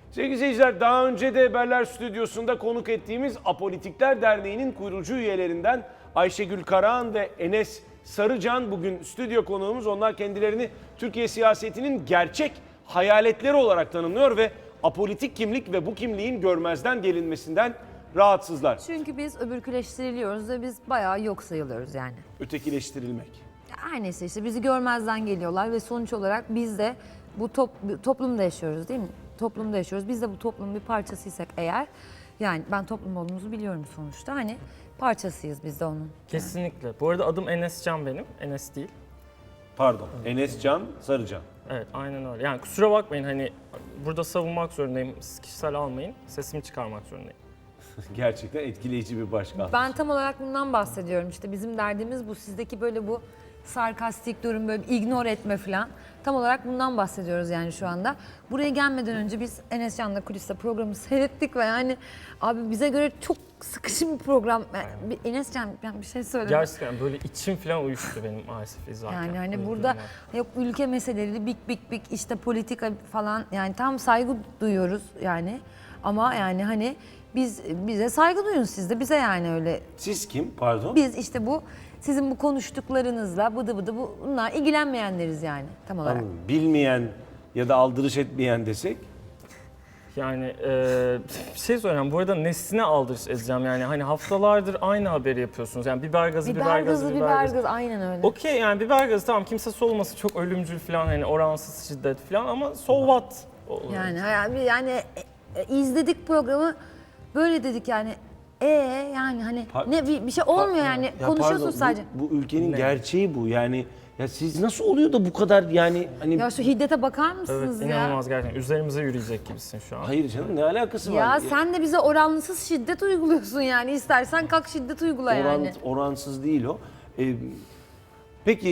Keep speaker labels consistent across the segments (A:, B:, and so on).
A: Sevgili seyirciler, daha önce de Haberler Stüdyosu'nda konuk ettiğimiz Apolitikler Derneği'nin kurucu üyelerinden Ayşegül Karahan ve Enes Sarıcan bugün stüdyo konuğumuz. Onlar kendilerini Türkiye siyasetinin gerçek hayaletleri olarak tanımlıyor ve apolitik kimlik ve bu kimliğin görmezden gelinmesinden rahatsızlar.
B: Çünkü biz öbürküleştiriliyoruz ve biz bayağı yok sayılıyoruz yani.
A: Ötekileştirilmek.
B: Her neyse işte bizi görmezden geliyorlar ve sonuç olarak biz de bu toplumda yaşıyoruz değil mi? Toplumda yaşıyoruz. Biz de bu toplumun bir parçasıysak eğer, yani ben toplum olduğumuzu biliyorum sonuçta, hani parçasıyız biz de onun.
C: Kesinlikle. Bu arada adım Enes Can benim. Enes değil.
A: Pardon. Enes Can Sarıcan.
C: Evet, aynen öyle. Yani kusura bakmayın, hani burada savunmak zorundayım. Siz kişisel almayın. Sesimi çıkarmak zorundayım.
A: Gerçekten etkileyici bir başkan.
B: Ben tam olarak bundan bahsediyorum, işte bizim derdimiz bu, sizdeki böyle bu sarkastik durum, böyle ignore etme falan. Tam olarak bundan bahsediyoruz yani şu anda. Buraya gelmeden önce biz Enes Can'la kuliste programı seyrettik ve yani abi bize göre çok sıkışın bir program. Yani Enes Can, ben bir şey söyleyeyim.
C: Gerçekten böyle içim falan uyuştu benim maalesef izlerken.
B: Yani hani
C: Böyle
B: burada
C: durumlar.
B: yok ülke meseleleri, big işte politika falan, yani tam saygı duyuyoruz yani. Ama yani hani bize saygı duyun, siz de bize yani öyle.
A: Siz kim? Pardon.
B: Biz işte bu sizin bu konuştuklarınızla bunlar ilgilenmeyenleriz yani tam olarak.
A: Anladım. Bilmeyen ya da aldırış etmeyen desek.
C: Yani bir şey söyleyeceğim. Bu arada nesline aldırış edeceğim. Yani hani haftalardır aynı haberi yapıyorsunuz. Yani biber gazı.
B: Biber gazı aynen öyle.
C: Okey, yani biber gazı tamam, kimse solması çok ölümcül falan, hani oransız şiddet falan, ama so what?
B: Yani izledik programı, böyle dedik yani. Yani hani bir şey olmuyor yani,
A: Ya
B: konuşuyorsun
A: pardon,
B: sadece.
A: Bu ülkenin
C: Ne?
A: gerçeği bu yani. Ya siz nasıl oluyor da bu kadar yani hani...
B: Ya şu hiddete bakar
C: Evet,
B: mısınız ya?
C: inanılmaz gerçekten. Üzerimize yürüyecek gibisin şu an.
A: Hayır canım, ne alakası var?
B: Ya sen de bize oranlısız şiddet uyguluyorsun yani. İstersen kalk şiddet uygula yani.
A: Oransız değil o. Peki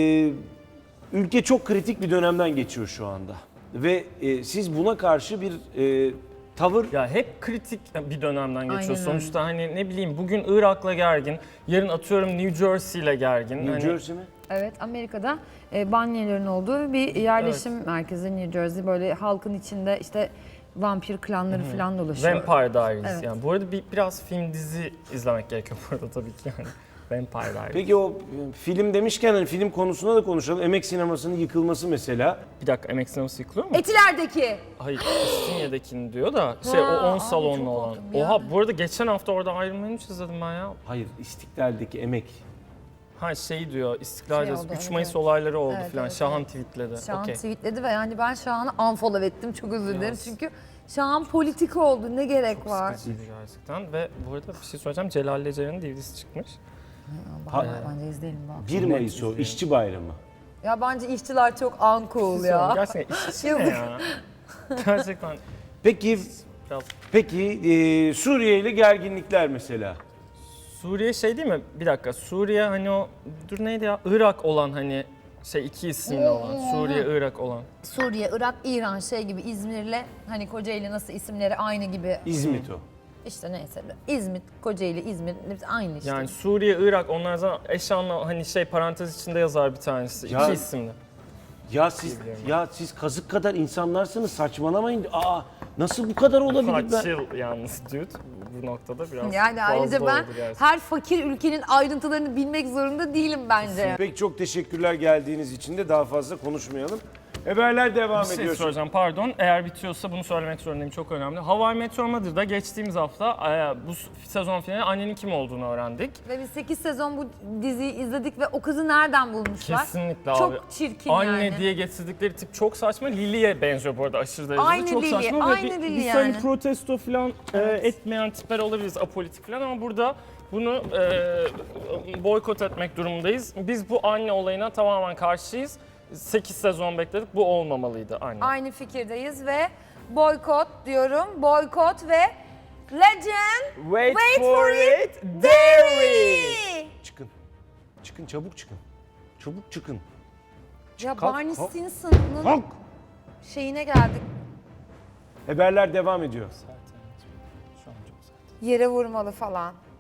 A: ülke çok kritik bir dönemden geçiyor şu anda. Ve siz buna karşı bir tavır...
C: Ya hep kritik bir dönemden geçiyor.
B: Aynen öyle.
C: Sonuçta hani ne bileyim, bugün Irak'la gergin, yarın atıyorum New Jersey'le gergin.
A: New
C: Hani
A: Jersey mi?
B: Evet, Amerika'da banyelerin olduğu bir yerleşim merkezi New Jersey. Böyle halkın içinde işte vampir klanları falan dolaşıyor.
C: Vampire Diaries.
B: Evet.
C: Yani bu arada biraz film dizi izlemek gerekiyor bu arada tabii ki yani. Vampire Diaries.
A: Peki o film demişken hani film konusunda da konuşalım. Emek sinemasının yıkılması mesela.
C: Bir dakika, emek sineması yıkılıyor mu?
B: Etiler'deki.
C: Hayır, İstinye'dekini diyor da o 10
B: abi
C: salonlu
B: çok
C: olan.
B: korktum ya.
C: Oha, bu arada geçen hafta orada Iron Man 3 izledim ben ya.
A: Hayır, İstiklal'deki emek.
C: Ha şey diyor, İstiklal
B: Şey
C: Caddesi,
B: oldu,
C: 3
B: evet,
C: Mayıs
B: evet.
C: olayları oldu
B: Evet,
C: falan.
B: evet,
C: Şahan
B: evet.
C: tweetledi.
B: Şahan
C: Okey.
B: tweetledi ve yani ben Şahan'ı unfollow ettim, çok özür dilerim.
C: Yalnız.
B: Çünkü Şahan politik oldu, ne gerek var?
C: Sıkıcıydı gerçekten. Ve bu arada bir şey söyleyeceğim, Celal Lecer'in DVD'si çıkmış.
B: Bence izleyelim bak.
A: 1 Mayıs o, işçi bayramı.
B: Ya bence işçiler çok uncool ya.
C: Gerçekten işçi ne
B: Yazık.
C: ya? Gerçekten
A: Peki,
C: biraz...
A: Suriye ile gerginlikler mesela.
C: Suriye şey değil mi? Bir dakika, Suriye hani o, dur neydi ya? Irak olan hani şey, iki isimli olan. Suriye, Irak olan.
B: Suriye, Irak, İran şey gibi, İzmir'le hani Kocaeli nasıl isimleri aynı gibi.
A: İzmit o.
B: İşte neyse, İzmit, Kocaeli, İzmir hepsi aynı işte.
C: Yani Suriye, Irak, onlar zaten eş anlamlı, hani şey parantez içinde yazar bir tanesi.
A: Ya-
C: İki isimli.
A: Ya siz kazık kadar insanlarsınız, saçmalamayın. Aa, nasıl bu kadar olabilir ben?
C: Kaç yıl yalnız dude bu noktada biraz
B: Yani
C: fazla
B: ayrıca ben
C: oldu gerçekten.
B: her fakir ülkenin ayrıntılarını bilmek zorunda değilim bence.
A: Peki, çok teşekkürler geldiğiniz için de, daha fazla konuşmayalım. Haberler devam
C: Bir şey
A: ediyor.
C: soracağım, pardon. Eğer bitiyorsa bunu söylemek zorundayım, çok önemli. How I Met Your Mother'da geçtiğimiz hafta bu sezon finali annenin kim olduğunu öğrendik.
B: Ve biz 8 sezon bu diziyi izledik ve o kızı nereden bulmuşlar?
C: Kesinlikle
B: Çok
C: abi.
B: çirkin
C: Anne
B: yani.
C: diye getirdikleri tip çok saçma. Lily'ye benziyor bu arada aşırı derecede.
B: Aynı
C: çok
B: Lily,
C: saçma.
B: aynı
C: ve
B: Lily
C: biz
B: yani.
C: hani protesto falan etmeyen tipler olabiliriz, apolitik falan, ama burada bunu boykot etmek durumundayız. Biz bu anne olayına tamamen karşıyız. 8 sezon bekledik. Bu olmamalıydı anne.
B: Aynı fikirdeyiz ve boykot diyorum. Boykot ve legend
C: Wait,
B: for it,
C: dairy.
A: Çıkın. Çıkın, çabuk çıkın. Çabuk çıkın.
B: Ya
A: Kalk,
B: Barney
A: kalk.
B: Stinson'ın
A: Kalk.
B: şeyine geldik.
A: Haberler devam ediyor.
C: Şu an çok sert.
B: Yere vurmalı falan.